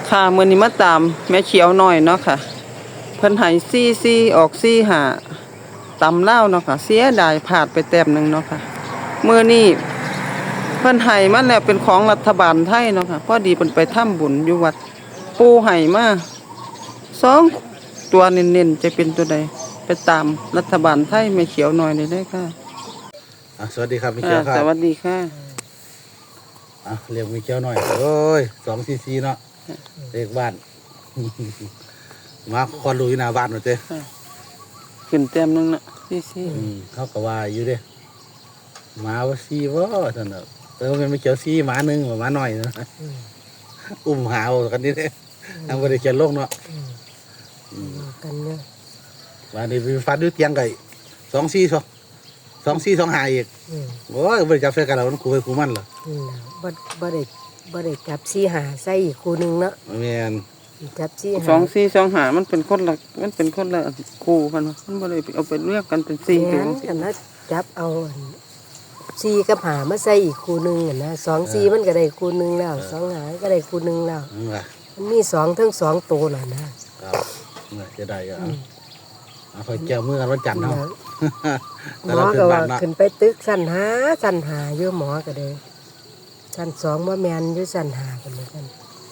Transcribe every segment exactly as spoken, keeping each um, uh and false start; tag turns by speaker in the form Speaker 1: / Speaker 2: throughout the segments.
Speaker 1: ค่ะมื้อนี้มาตามแม่เขียวน้อยเนาะค่ะเพิ่นให้สี่ สี่ออกสี่ ห้าตำลาวเนาะค่ะเสียดายพลาดไปแต้มหนึงเนาะค่ะมื้อนี้เพิ่นให้มาแล้วเป็นของรัฐบาลไทยเนาะค่ะพอดีเพิ่นไปทำบุญอยู่วัดปู่ให้มาสองตัวเน้นๆจะเป็นตัวใดไปตามรัฐบาลไทยแม่เขียวน้อยได้เลยค่ะ
Speaker 2: อ่ะสวัสดีครับมิเกียวครั
Speaker 1: ส
Speaker 2: บ
Speaker 1: วัสดีค่ะ
Speaker 2: อ่ะเรียกมิเกียวหน่อยโอ้ยสองซีซีเนาะเรียกบ้าน มาคอนดูอยู่หน้าบ้านหน่อยเจ้
Speaker 1: ขึ้นแต้มหนึงน่ะสี่ สี่
Speaker 2: อืมเขาก็ว่าอยู่เด้หมาว่าซีว่าท่านเนาะแต่ว่ามันไม่เกี่ยวซีหมาหนึ่งหมาหน่อยนะอุ้มหาวกันนี่เด้ทำบริเขียนโลกเนาะ
Speaker 3: กันเนี่ย
Speaker 2: วันนี้ไปฟัดด้วยเตียงไก่สองซีสองสองซีสองหาอีกโอ้ยบริจาคเฟกันเราต้องคูไปคูมันเหรอ
Speaker 3: อืมบ่บ่ได้บ่ได้จับสี่หาใส่อีกคู่หนึงเนาะ
Speaker 2: แม่น
Speaker 3: จับสี่หา
Speaker 1: สองสี่สองหามันเป็นคนละมันเป็นคนละคู่กันวะมันบ่ได้เอาไปเรียกกันเป็นสี่
Speaker 3: แม่
Speaker 1: ตัวน
Speaker 3: กันนะจับเอาอันสี่กับหามาใส่อีกคู่หนึงอะนะสองสี่มันก็ได้คู่หนึงแล้วสองหาก็ได้คู่หนึงแล้ว
Speaker 2: นั่นล่ะ
Speaker 3: มันมีสองทั้งสองตัวแล้วนะครับ
Speaker 2: เนี่ยจะได้ก็เอาเอาคอยแก้วมือกันวันจันทร์เนาะ
Speaker 3: หมอก็ว่าขึ้นไปตึกสั้นหาสั้นหาอยู่หมอก็ได้สั้นสองบ่แม่นอยู่สั้นหากันเหมือนกัน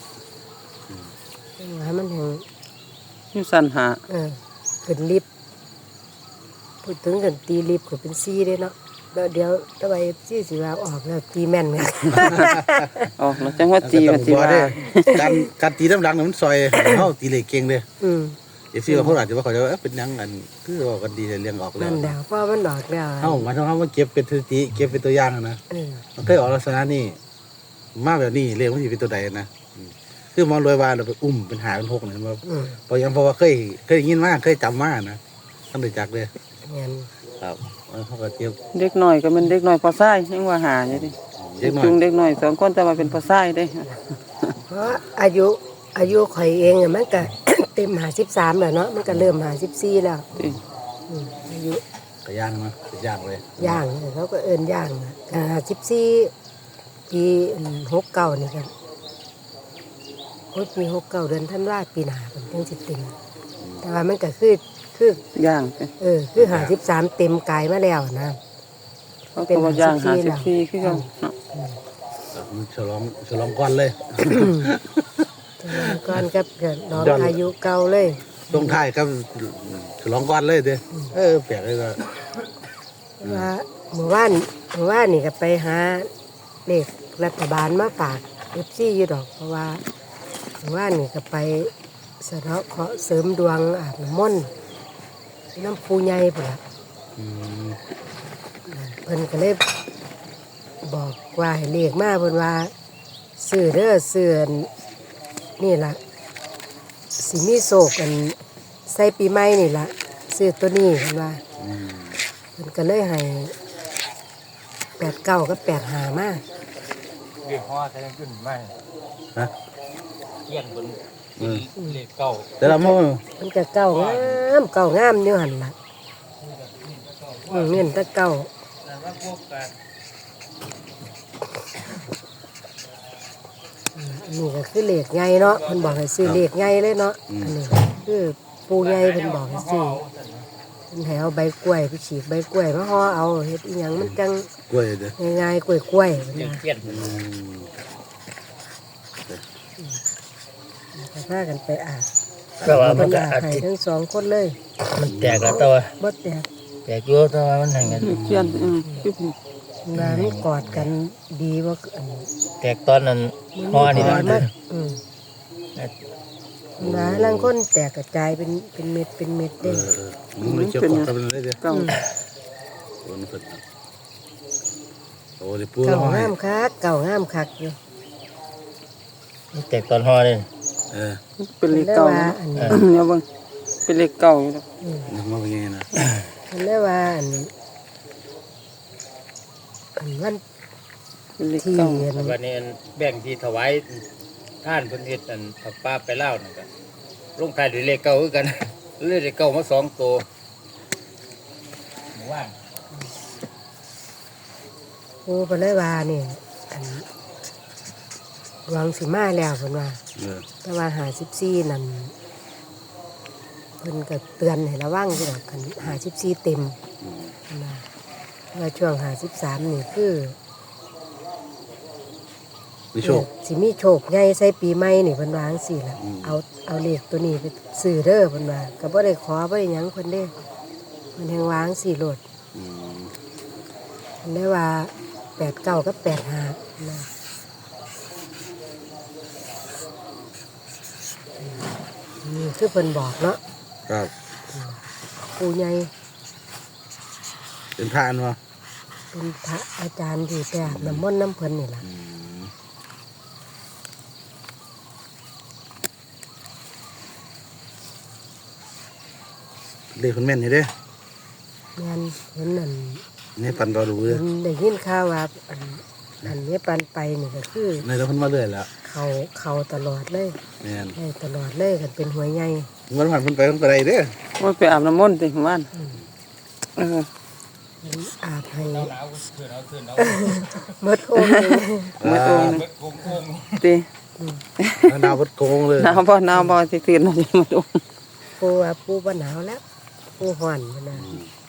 Speaker 3: ให้มันแห่ง
Speaker 1: อยู่สันหา
Speaker 3: เออขึ้นลิฟต์พูดถึงกันตีลิฟต์ก็เป็นซีเด้เนาะแล้วเดี๋ยวถ้าไปซีสิว่าออกแล้วตีแม่นไง
Speaker 1: ออกแล้วจังว่าจีว่าจีว่า
Speaker 2: การการตีน้ำดังเนี่ยมันซอยเขาตีเหล็กเก่งเลย
Speaker 3: อืม
Speaker 2: เอฟซีบางคนอาจจะว่าเขาจะว่าเอ๊ะเป็นหยังกันคือว่ากันดีแต่เลี้ยงออกแล้
Speaker 3: นั่
Speaker 2: วน
Speaker 3: แหละเพราะมันดอกแล้ว
Speaker 2: เขาหมายถึงว่ามันเก็บเป็นสถิติเก็บเป็นตัวอย่างนะ
Speaker 3: เออ
Speaker 2: มันเคยออกลักษณะนี้มาแบบนี้เรียกว่าสิเป็นตัวใดนะอืมคือมองรวยว่าเราไปอุ้มเป็นหาเป็นหกเนี่ยมา
Speaker 3: อืม
Speaker 2: เพราะยังเพราะว่าเคยเคยได้ยินมาเคยจำมานะท่านได้จักเลย
Speaker 3: เงี้ย
Speaker 2: ครับเออเขาก็เทียบ
Speaker 1: เด็กน้อยก็เป็นเด็กน้อยพอซ้ายยังว่าหาอยู่ดิ
Speaker 2: เด็กน้อย
Speaker 1: จุงเด็กน้อยสองคนแต่ว่าเป็นพอซ้ายเด้
Speaker 3: เพราะอายุอายุข่อยเองอะมันก็ เต็มหาสิบสามแล้วเนาะมันก็เริ่มหาสิบสี่แล้ว
Speaker 1: ติ
Speaker 3: อืมอายุ
Speaker 2: ก็ย่างนะย่างเลย
Speaker 3: ย่างเขาก็เอินย่างนะหาสิบสี่ปีหกเก้านี่ครับโอ้ยปีหกเก้าเดือนธันวาปีหน้าเป็นจังสิเต็มแต่ว่ามันก็คือคือย่าง
Speaker 1: ไป
Speaker 3: เออคือหาสิบสามเต็มกายมาแล้วนะ
Speaker 1: เขาก็ว่าย่างหาสิบสี่คือกันเนาะ
Speaker 2: ครับมันฉลองฉลองก้อนเลย
Speaker 3: ฉลองก่อนกับเกิดน้อง
Speaker 2: ย้อน
Speaker 3: อายุเก่าเลย
Speaker 2: ตรงท้ายครับฉลองก้อนเลยเด้เออแปลกเลยก็
Speaker 3: ว่าเมื่อวานเมื่อวานนี่ก็ไปหาเลขรัฐบาลมาฝากเอฟซีอยู่ดอกเพราะว่าเมื่อวานนี่ก็ไปสะเดาะเคราะห์เสริมดวงอาบน้ำมนต์น้ำปูใหญ่พุ่นล่ะ
Speaker 2: อืม
Speaker 3: เพิ่นก็เลยบอกว่าให้เลขมาเพิ่นว่าซื้อเด้อซื้ออันนี่ล่ะสิมีโศกอันใส่ปีใหม่นี่ล่ะซื้อตัวนี้เพิ่นว่า
Speaker 2: อืม
Speaker 3: เพิ่นก็เลยให้แปดเก้ากับแปดหามา
Speaker 4: เรียกพ่อใช้ขึ้นไม่
Speaker 2: ฮะ
Speaker 4: เกี่ยงบน
Speaker 2: อืม
Speaker 4: เรียกเก่า
Speaker 2: แต่ละมื้อ
Speaker 3: มันก็เก้างามเก้างามอยู่หั่นล่ะอืมเน้นแต่เก้า
Speaker 4: แต่ว่าพวกกัน
Speaker 3: อันนี้ก็คือเลขใหญ่เนาะเพิ่นบอกให้ซื้อเลขใหญ่เลยเนาะอันนี้คือปูใหญ่เพิ่นบอกให้ซื้อเพิ่นให้เอาใบกล้วยไปฉีกใบกล้วยมาห่อเอาเฮ็ดอีหยังมันจัง
Speaker 2: กล้วยเด้อ
Speaker 3: ง่ายๆกล้วยๆเพิ่น
Speaker 4: เกี่ยง
Speaker 3: ว่า
Speaker 4: เกี่ยง
Speaker 2: อืม
Speaker 3: ก็พากันไปอาบ
Speaker 4: แต่ว่ามั
Speaker 3: เพิ่
Speaker 4: น
Speaker 3: น
Speaker 4: ก็
Speaker 3: อาบ
Speaker 4: อาจ
Speaker 3: ให้
Speaker 4: จะ
Speaker 3: ทั้งสองคนเลย
Speaker 4: มันแตกแล้วแต่ว่า
Speaker 3: บ่แตก
Speaker 4: แตกเยอะแต่ว่ามันแห่งกัน
Speaker 1: เขียนอืมคือ
Speaker 3: งานกอดกันดีบ่อัน
Speaker 4: แตกตอนนั้นห่อนี่
Speaker 3: มั
Speaker 4: นะ
Speaker 3: มาอืมงานลางคนแตกกระจายเป็นเป็นเม็ดเป็นเม็ด
Speaker 2: เอ
Speaker 3: เด้
Speaker 2: อเออมันไม่เกี่ยวกับกันเลยเด้อ
Speaker 1: เก้า
Speaker 2: โอ้นี่เพิ่นโอ้นี่ปู
Speaker 3: เก่า
Speaker 2: ร้อย
Speaker 3: งามคักเก่างามคักอยู่
Speaker 4: มันแตกตอนห่อเลย
Speaker 2: เออ
Speaker 1: เป็นเลขเก้า
Speaker 3: ว่า
Speaker 1: เนาะ
Speaker 3: อันนี้
Speaker 1: เนี่ยเบิ่งเป็นเลขเก้าอยู่เนาะ
Speaker 2: นึกว่าเป็นไงนะ
Speaker 3: เพิ่นเลยว่าอันอันวัน
Speaker 1: เป็นเลข
Speaker 3: ที่
Speaker 1: เก้า
Speaker 3: อัน
Speaker 4: วันนี้แบ่งที่ถวายท่านเพิ่นเฮ็ดอันผักป้าไปเล่านั่นก็ลงท้ายด้วยเลขเก่าคือกัน เลขเก่ามาสองตัวหมู่บ้าน
Speaker 3: โอ้เพิ่นเลยว่านี่อันหวังสิมาแล้วเพิ่นว่า
Speaker 2: เออ
Speaker 3: แต่ว่าห้าสิบสี่นั่นเพิ่นก็เตือนให้ระวังอยู่ดอกคันห้าสิบสี่เต็ม
Speaker 2: อืม
Speaker 3: เพิ่นว่าว่าช่วงห้าสิบสามนี่คือ
Speaker 2: มีโชค
Speaker 3: สิมีโชคใหญ่ใส่ปีใหม่นี่เพิ่นว่าจังซี่ล่ะ
Speaker 2: อืม
Speaker 3: เอาเอาเลขตัวนี้ไปซื้อเด้อเพิ่นว่าก็บ่ได้ขอบ่ได้หยังเพิ่นเด้เพิ่นแฮงวาจังซี่โลด
Speaker 2: อืม
Speaker 3: เพิ่นได้ว่าแปดเก้ากับแปดห้านะนี่คือเพิ่นบอกเนาะ
Speaker 2: ครับ
Speaker 3: ปู่ใหญ่
Speaker 2: เป็นพระอันวะ
Speaker 3: เป็นพระอาจารย์ที่ไปอาบน้ำมนต์น้ำเพิ่นนี่ล่ะ
Speaker 2: อืมเลขคนแม่นอยู่เด้
Speaker 3: งานเพิ่นนั่น
Speaker 2: ในปันรอดูเลย
Speaker 3: เพิ่นได้ยินข่าวว่าอันอันนี้ปันไปนี่ก็คือ
Speaker 2: ในแล้วเพิ่นมาเรื่อยแล้ว
Speaker 3: เขาเขาตลอดเลย
Speaker 2: แม่น
Speaker 3: ได้ตลอดเลยกันเป็นหัวใหญ่
Speaker 2: วันผ่านเพิ่นไปเพิ่นไปได้เด้อ
Speaker 1: ว่าไปอาบน้ำมนต์ติบ้านเออ
Speaker 3: เพิ่นอาบให้
Speaker 4: หนาวขึ้นเอาขึ้นเอา
Speaker 3: หมดองค์เลย
Speaker 1: มาตรงนึง
Speaker 4: เบิดโกงโกง
Speaker 1: ติ
Speaker 2: แล้วดาวเพิ่นโกงเลย
Speaker 1: หนาวบ่หนาวบ่สิตื่นมาสิมาดู
Speaker 3: ปูว่าปูบ่หนาวแล้วปูห่อนมันนะ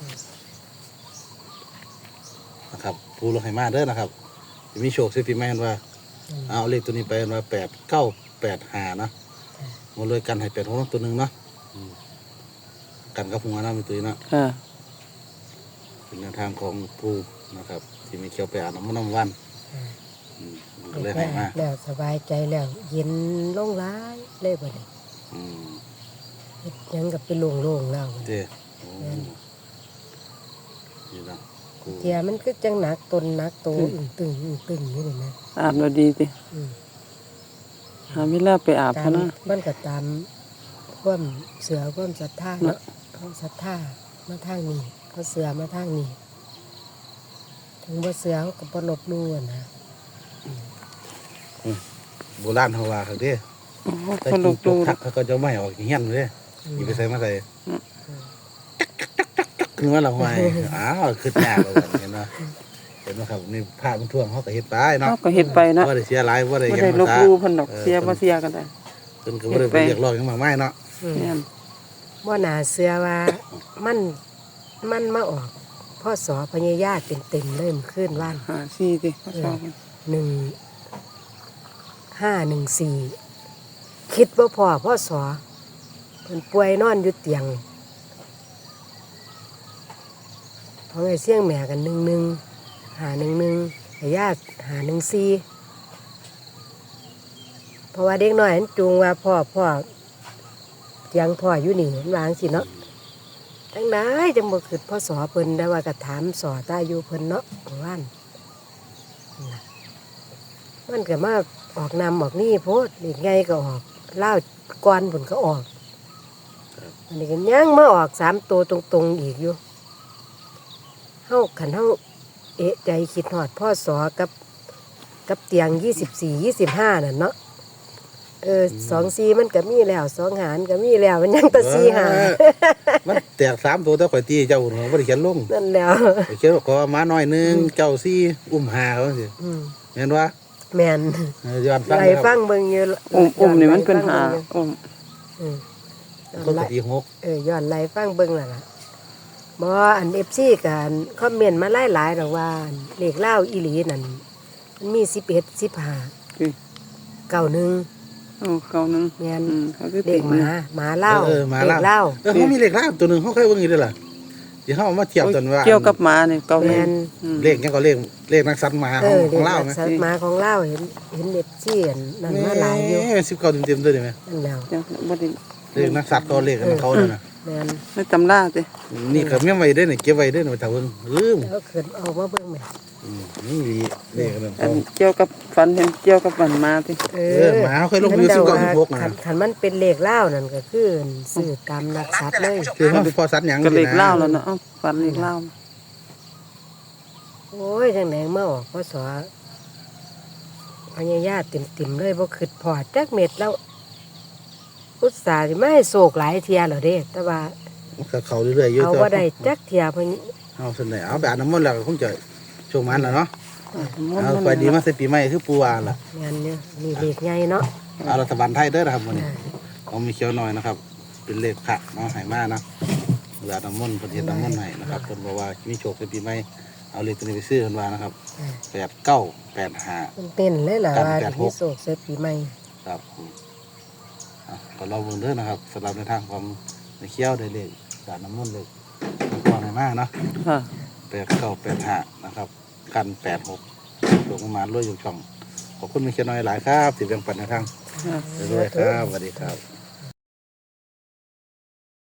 Speaker 2: นะครับผู้ลงให้มาเด้อนะครับสิมีโชคสิปีใหม่เห็นว่า เอาเลขตัวนี้ไปเห็นว่าแปดเก้าแปดห้านะหมดเลยกันให้แปดหกตัวหนึงเนาะอืมกันกับหัวนะมีตัวนี้เนาะ
Speaker 1: ค่ะ
Speaker 2: เป็นแนวทางของผู้นะครับ ที่มีเขียวไปอ่านน้ำมันน้ำวันอืมก็เลยให้มา
Speaker 3: แล้วสบายใจแล้วเย็นลงร้ายเลยบ่ได้
Speaker 2: อืม
Speaker 3: เฮ็ดหยังกับเป็นโล่งๆแล้วบัดนี้
Speaker 2: เจ้โอ้นี่นะกู
Speaker 3: เทียมันคือจังหนักตนหนักโตอึ้งตึงอึ้งตึงนี่นี่นะ
Speaker 1: อาบแล้วดีติ
Speaker 3: อืม
Speaker 1: หาเวลาไปอาบ
Speaker 3: ตา
Speaker 1: เขา
Speaker 3: ม
Speaker 1: นะ
Speaker 3: มันก็ตามความเสือความศรัทธาเนาะเขาศรัทธามาทางนี้เขาเสือมาทางนี้ถึงบ่เสือเขาก็บ่ลบหลู่อะนะ
Speaker 2: โบราณเขาว่าเขาเด้
Speaker 1: โอ้โห
Speaker 2: แต่
Speaker 1: คนลุ
Speaker 2: กิ
Speaker 1: ก
Speaker 2: น
Speaker 1: ดู
Speaker 2: ตกทักเขาก็จะไม่ออกเงี้ยนเลยอีไปใส่มาใส่คือว่าเราไม่อ้าวขึ้นยากเลยเห็นไหมเห็นไหมครับนี่ผ้ามันท่วงเขาก็เฮ็ดไปเนาะ
Speaker 1: เฮาก็เฮ็ดไปนะ
Speaker 2: ว่าได้เสียหลายว่าได้
Speaker 1: บ่
Speaker 2: เห็น
Speaker 1: ได้ล
Speaker 2: มา
Speaker 1: บ
Speaker 2: ตา
Speaker 1: หลู่เพิ่นดอกเสียบ่เสียกันได้
Speaker 2: เพิ่นก็บ่ได้ไปเรียกร้องหยังมากมายเนาะ
Speaker 3: อืม
Speaker 1: แม่น
Speaker 3: บ่น่าเสือว่ามันมันมาออกพ่อสอพญายาเต็มๆเลยมันขึ้นว่าน
Speaker 1: หาซี่ติเขาชอบมัน
Speaker 3: หนึ่งห้าหนึ่งสี่คิดว่าพ่อพ่อสอเพิ่นป่วยนอนอยู่เตียงเพราะไอ้เสี่ยงแม่กันหนึ่งหนึ่งหาหนึ่งหนึ่งไอ้ญาติหาหนึ่งสี่เพราะว่าเด็กน้อยมันจูงว่าพ่อพ่อเตียงพ่ออยู่นี่มันวาจั่งสิเนาะจังไดจังบ่คิดพ่อสอเพิ่นได้ว่าก็ถามสอตาอยู่เพิ่นเนาะว่านนั่นล่ะมันก็มาออกนำออกนี่โพดอีกไงก็ออกเล่าวก้อนผลก็ออกอันนี้ก็ยังมาออกสามตัวตรงๆอีกอยู่เฮาขันเฮาเอะใจคิดหอดพ่อสอกับกับเตียงยี่สิบสี่ยี่สิบห้าน่ะเนาะเออสองซีมันก็มีแล้วสองหารก็มีแล้วมันยังแตัซีหา
Speaker 2: เออมันแตกสามตัวแต่ข่อยตีเจ้าหัวบ่ได้เขียนลง
Speaker 3: นั่นแล้ว
Speaker 2: ข่อยเขียนว่าขอมาหน่อยหนึงเจ้าซี่อุ้มหาเขาสิ
Speaker 3: อืม
Speaker 2: เห็นว่า
Speaker 3: แม่น
Speaker 2: ย้อนฟัง
Speaker 3: ไล่
Speaker 2: นะครับ
Speaker 3: ฟังเบิ่งอยู่
Speaker 1: อุ้มอุ้มนี่มันเป็นหาอุ้ม
Speaker 3: อืม
Speaker 2: คนกะตีหก
Speaker 3: เออย้อนไล่ฟังเบิ่งแล้วล่ะบ่อัน เอฟ ซี กันคอมเมนต์มาหลายๆดอกว่าอันเลขเล่าวอีหลีนั่นมันมีสิบเอ็ด สิบห้า
Speaker 1: คือ
Speaker 3: เก้าหนึ่ง
Speaker 1: โอ้เขานึง
Speaker 3: แม่น
Speaker 1: อืมเขาคือ
Speaker 3: เล
Speaker 1: ติ
Speaker 3: ข
Speaker 1: ด
Speaker 3: หมาหมาเล่าว
Speaker 2: เออหมา
Speaker 3: เล
Speaker 2: เล่า
Speaker 3: ขเล่าว
Speaker 2: เออเขามีเลขล่าตัวหนึงเขาเคยเบิ่งอยู่เด้อล่ะที่เขาเอามาเทียบกันว่า
Speaker 1: เกี่ยวกับหมานี่เก่า
Speaker 3: แม่
Speaker 1: แม่
Speaker 3: น
Speaker 1: นอืม
Speaker 2: เลขยังก็เลขเลขนักสัตว์หมา
Speaker 3: เอ
Speaker 2: ของ
Speaker 3: อ
Speaker 2: ข
Speaker 3: เล
Speaker 2: อง
Speaker 3: ข
Speaker 2: เล่าไหม
Speaker 3: สัตว์หมาของเล่าวเห็นเห็นเอฟซีอันนั่นมาหลายอยู่
Speaker 2: แหม่สิบเก้าเต็มๆด้วยได้ไหม
Speaker 3: นั่นแล้ว
Speaker 1: เดี๋ยวบ่ได้
Speaker 2: เลขนักสัตว์ก็เลขของเขาเนี่ยนะ
Speaker 3: แม่น
Speaker 1: ในตำราติ
Speaker 2: นี่ก็ไม่ไว้ได้เนี่ยเก็บไว้ได้เนี่ยถ้าเพิ่งลืม
Speaker 3: แล้วขึ้นออกมาเบิ่งแม่
Speaker 2: อืมนี่ดีเลขกัน
Speaker 1: อั
Speaker 2: เขา
Speaker 1: นเกี่ยวกับฝันเห็นเกี่ยวกับฝันมาติ
Speaker 3: เอ
Speaker 2: เออหมาเขาเคยลงอยู่สิบเก้าสิบหกนะ
Speaker 3: คันคันมันเป็นเลขเล่าวนั่นก็คือซื้อตามนักสัตว์เลย
Speaker 2: คือเขาเป็นพ่อสัตว์หยัง
Speaker 1: ก็เลข
Speaker 2: นี่นะ
Speaker 1: เล่าแล้วเนาะเอ้าฝันเลขเล่า
Speaker 3: โอ้ยจังไหนมาออกพศพญายาติ่มๆเลยบ่คิดพอจักเม็ดแล้ว อุตส่าห์สิมาให้โศกหลายเที่ยแล้วเด้แต่ว่า
Speaker 2: ก็เขาเรื่อยๆอยู่
Speaker 3: เอา
Speaker 2: แต่
Speaker 3: บ่ได้จักเที่ยเพิ่น
Speaker 2: เอาส่วนไหนเอาไปอาบน้ำมนต์แล้วก็คงจะช่วงมันแหละเนาะเอาไปดีมาใส่ปีใหม่คือปูวานล่ะ
Speaker 3: งานเนี่ยนี่เลขใหญ่เนาะ
Speaker 2: เอารัฐบาลไทยเด้อนะครับวันนี้เอามีเขียวหน่อยนะครับ เป็นเลขพระเนาะไหมาเนาะเวลาน้ำมนต์ประเทศน้ำมนต์ให้นะครับเพิ่นบอกว่ามีโชคในปีใหม่เอาเลขตัวนี้ไปซื้อเพิ่นว่านะครับแปดเก้าแปดห้า
Speaker 3: มันเต้นเลยล่ะ
Speaker 2: กัน
Speaker 3: ว่า
Speaker 2: แปดห
Speaker 3: มี
Speaker 2: ก
Speaker 3: โศกเสร็จปีใหม่
Speaker 2: ครับผมอ่ะก็รอเบิ่งเด้อนะครับสำหรับในทางความในเขียวได้เลขจากน้ำมนต์เลขก่อนไหมาเนาะ
Speaker 1: ค่ะ
Speaker 2: แปดเก้าแปดห้านะครับกันแปดหกลงประมาณรวยอยู่ช่องขอบคุณมีเขียวน้อยหลายครับที่แบ่งปันในทาง
Speaker 1: ค่ะ
Speaker 2: ด้วยครับสวัสดีครับ